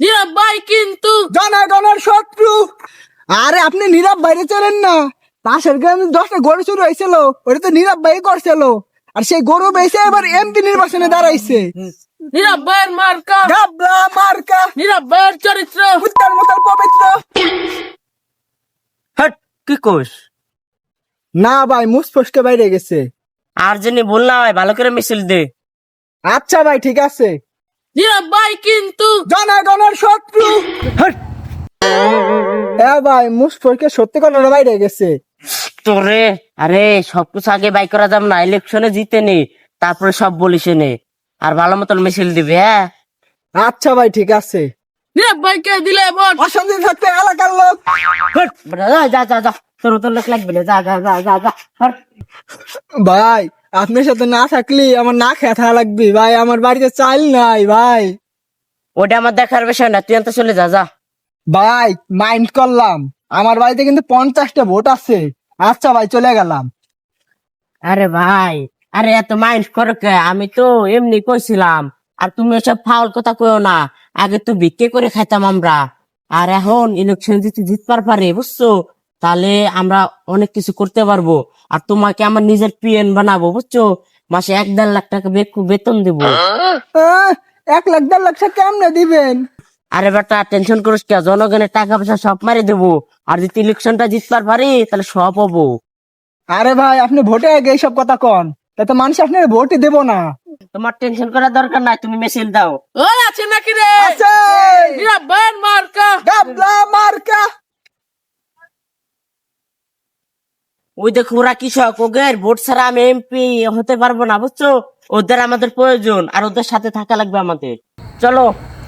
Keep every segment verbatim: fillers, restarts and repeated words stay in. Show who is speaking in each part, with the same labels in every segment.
Speaker 1: নীরব ভাই কিন্তু
Speaker 2: জনগণের শত্রু। আরে আপনি নীরব বাইরে চলেন না, পাশের গ্রামে দশটা গরু চুরি হয়েছিল, ওটা তো নীরব ভাই করছিল। আর সেই গরু বেঁচে এবার এমপি নির্বাচনে দাঁড়াইছে।
Speaker 1: নীরব ভাইয়ের মার্কা,
Speaker 2: গাবলা মার্কা,
Speaker 1: নীরব ভাইয়ের চরিত্র
Speaker 2: উত্তর মতল পবিত্র।
Speaker 3: হট, কি কোষ?
Speaker 2: না ভাই, মুসফুসকে বাইরে গেছে।
Speaker 3: আর জানি ভুল না হয় ভালো করে মিছিল দে।
Speaker 2: আচ্ছা ভাই, ঠিক আছে।
Speaker 1: নীরব ভাই কিন্তু
Speaker 2: জনগণের শত্রু।
Speaker 3: হট,
Speaker 2: এ ভাই, মুসফুসকে সত্যি কথা বাইরে গেছে।
Speaker 3: তোরে আরে সবকিছু আগে বাই করা যাব না, ইলেকশনে জিতে নে, তারপরে সব বলিস নে। আর ভালো মতন মিছিল দিবে। হ্যাঁ
Speaker 2: আচ্ছা ভাই, ঠিক আছে।
Speaker 1: নীরব ভাইকে দিলে ভোট।
Speaker 2: অশান্তি থাকতে এলাকার লোক।
Speaker 3: হট, বেটা, যা যা যা যা, তোর তোর লোক লাগবে না, যা যা যা যা যা। হট।
Speaker 2: ভাই, আপনার সাথে না থাকলে আমার না খেয়ে থাকা লাগবে ভাই, আমার বাড়িতে চাল নাই ভাই।
Speaker 3: ওটা আমার দেখার বিষয় না, তুই আনতে চলে যা যা।
Speaker 2: ভাই, মাইন্ড করলাম, আমার বাড়িতে কিন্তু পঞ্চাশটা ভোট আছে। আচ্ছা ভাই, চলে গেলাম।
Speaker 3: আরে ভাই, আরে এত মাইন্ড করো কে? আমি তো এমনি কইছিলাম। আর তুমি এসব ফাউল কথা কইও না। আগে তো ভিক্ষে করে খাইতাম আমরা, আর এখন ইলেকশন জিতে জিতবার পারে, বুঝছো? তাহলে আমরা অনেক কিছু করতে পারবো। আর তোমাকে আমার নিজের পিএন বানাবো, বুঝছো? মাসে এক দেড় লাখ টাকা বে- বেতন দেবো।
Speaker 2: আহ, এক লাখ দেড় লাখ টাকা কেমনে দিবেন?
Speaker 3: আরে বেটা, টেনশন করিস কে? জনগণের টাকা পয়সা সব মারি দেবো। আর যদি ইলেকশনটা জিতবার পারি তাহলে সব হবো।
Speaker 2: আরে ভাই, আপনি ভোটে আগে এইসব কথা কন, তাতে মানুষ আপনার ভোটই দেবো না।
Speaker 3: তোমার টেনশন করার দরকার নাই, তুমি মেসেজ দাও।
Speaker 1: ওই আছে নাকি রে?
Speaker 2: আছে।
Speaker 1: নীরব ভাইয়ের মার্কা।
Speaker 2: গাবলা মার্কা।
Speaker 3: ওই দেখো, ওরা কৃষক, ওদের ভোট ছাড়া আমি এমপি হতে পারবো না, বুঝছো? ওদের আমাদের প্রয়োজন, আর ওদের সাথে থাকা লাগবে আমাদের। চলো।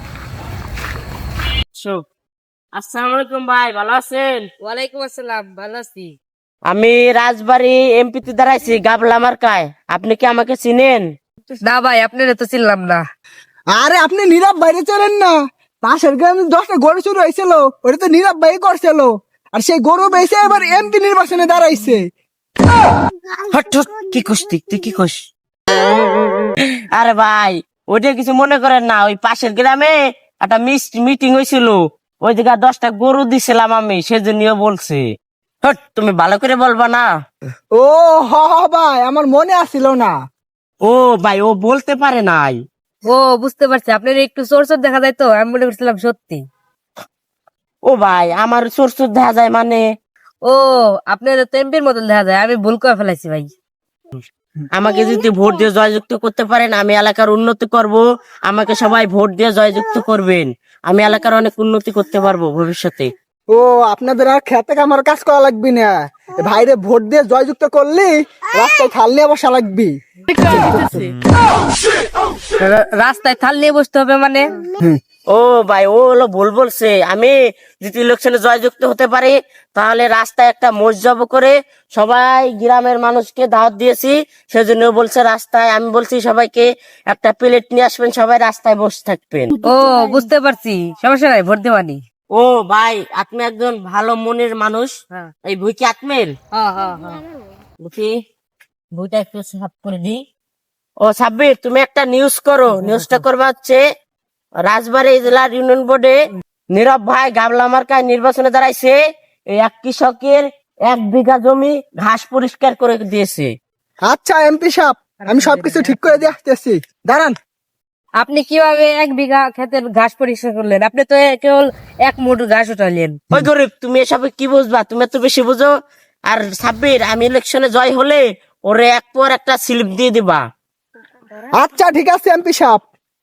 Speaker 3: আসসালামু আলাইকুম ভাই, ভালো আছেন?
Speaker 1: ওয়ালাইকুম আসসালাম, ভালো আছি।
Speaker 3: আমি রাজবাড়ি এমপি তে দাঁড়াইছি, গাবলা মার্কায়। আপনি কি আমাকে চিনেন?
Speaker 1: না ভাই, আপনারা তো চিনলাম না।
Speaker 2: আরে আপনি নীরব বাইরে চলেন না, পাশের গ্রামে দশটা গরু চুরি হয়েছিল, ওটা তো নীরব ভাই করছিল। আর সেই গরু বেঁচে এবার এমপি নির্বাচনে দাঁড়াইছে।
Speaker 3: হট হট, কি খুশ তুই তুই কি খুশ? আরে ভাই, ওইটা কিছু মনে করেন না, ওই পাশের গ্রামে একটা মিটিং হয়েছিল, ওই জায়গায় দশটা গরু দিছিলাম আমি, সেজন্য বলছি। হট, তুমি ভালো করে বলবা না?
Speaker 2: ও হ হ ভাই, আমার মনে আসছিল না।
Speaker 3: ও ভাই, ও বলতে পারে নাই।
Speaker 1: ও বুঝতে পারছি, আপনার একটু চোর চোর দেখা যায় তো, আমি মনে করছিলাম সত্যি।
Speaker 3: ও ভাই, আমার চোর চোর দেখা যায় মানে?
Speaker 1: ও, আপনার তো এমপির মতন দেখা যায়, আমি ভুল করে ফেলাইছি ভাই।
Speaker 3: আমাকে যদি ভোট দিয়ে জয়যুক্ত করতে পারেন, আমি এলাকার উন্নতি করব। আমাকে সবাই ভোট দিয়ে জয়যুক্ত করবেন, আমি এলাকার অনেক উন্নতি করতে পারবো ভবিষ্যতে।
Speaker 2: ও, আপনাদের আর খেতে আমার কাজ করা লাগবে না, ভাইরে ভোট দিয়ে জয়যুক্ত করলি রাস্তায় খাল নিয়ে বসা লাগবি।
Speaker 1: রাস্তায় থাল নিয়ে বসতে হবে মানে?
Speaker 3: ও ভাই, ও হলো ভুল বলছে। আমি যদি ইলেকশনে জয়যুক্ত হতে পারি, তাহলে রাস্তায় একটা মসজব করে সবাই গ্রামের মানুষকে দাওয়াত দিয়েছি, সেজন্য ও বলছে রাস্তায়। আমি বলছি সবাইকে একটা প্লেট নিয়ে আসবেন, সবাই রাস্তায় বসে থাকবেন।
Speaker 1: ও বুঝতে পারছি, সমস্যা নাই, ভোট দেওয়ানি।
Speaker 3: ও ভাই, আপনি একজন ভালো মনের মানুষ।
Speaker 1: হ্যাঁ
Speaker 3: এই বই কি আত্মের?
Speaker 1: হ্যাঁ হ্যাঁ হ্যাঁ।
Speaker 3: বুঝি, বইটা একটু সাফ করে দিই। ও সাব্বির, তুমি একটা নিউজ করো। নিউজটা করবা হচ্ছে, রাজবাড়ী জেলার ইউনিয়ন বোর্ডে নীরব ভাই গাবলা মার্কায় নির্বাচনে দাঁড়াইছে। এই এক কৃষকের এক বিঘা জমি ঘাস পরিষ্কার করে দিয়েছে।
Speaker 2: আচ্ছা এমপি সাহেব, আমি সবকিছু ঠিক করে দিয়ে আসতেছি, দাঁড়ান।
Speaker 1: আপনি কিভাবে এক বিঘা ক্ষেতের ঘাস পরিষ্কার করলেন? আপনি তো এ- কেবল এক মুঠ ঘাস উঠালেন।
Speaker 3: ওই গরিব, তুমি এসবে কি বুঝবা? তুমি তো বেশি বুঝো। আর সাব্বির, আমি ইলেকশনে জয় হলে ওরে এক পর একটা স্লিপ দিয়ে দিবা।
Speaker 2: আচ্ছা ঠিক আছে এমপি সাহেব।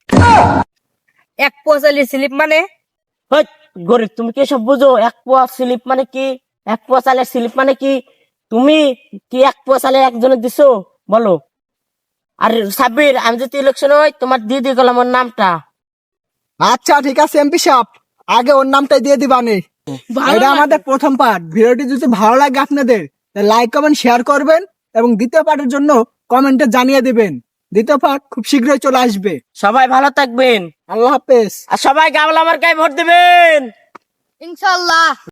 Speaker 1: এক পঁচালি স্লিপ মানে?
Speaker 3: ওই গরিব, তুমি কি এসব বুঝো? এক পোয়া স্লিপ মানে কি? এক পোয়া চালের স্লিপ মানে কি? তুমি কি এক পোয়া চালে একজনের দিছো বলো? আর সাব্বির, আমি যদি ইলেকশন হয়, তোমার দিয়ে দিয়ে গেলাম ওর নামটা।
Speaker 2: আচ্ছা ঠিক আছে এমপি সাহেব, আগে ওর নামটাই দিয়ে দিবানি। এটা আমাদের প্রথম পার্ট। ভিডিওটি যদি ভালো লাগে আপনাদের, লাইক কমেন্ট শেয়ার করবেন, এবং দ্বিতীয় পার্টের জন্য কমেন্টে জানিয়ে দিবেন। দ্বিতীয় পার্ট খুব শীঘ্রই চলে আসবে।
Speaker 3: সবাই ভালো থাকবেন,
Speaker 2: আল্লাহ হাফেজ।
Speaker 3: আর সবাই গাবলা মার্কায় ভোট দেবেন।
Speaker 1: ইনশাল্লাহ।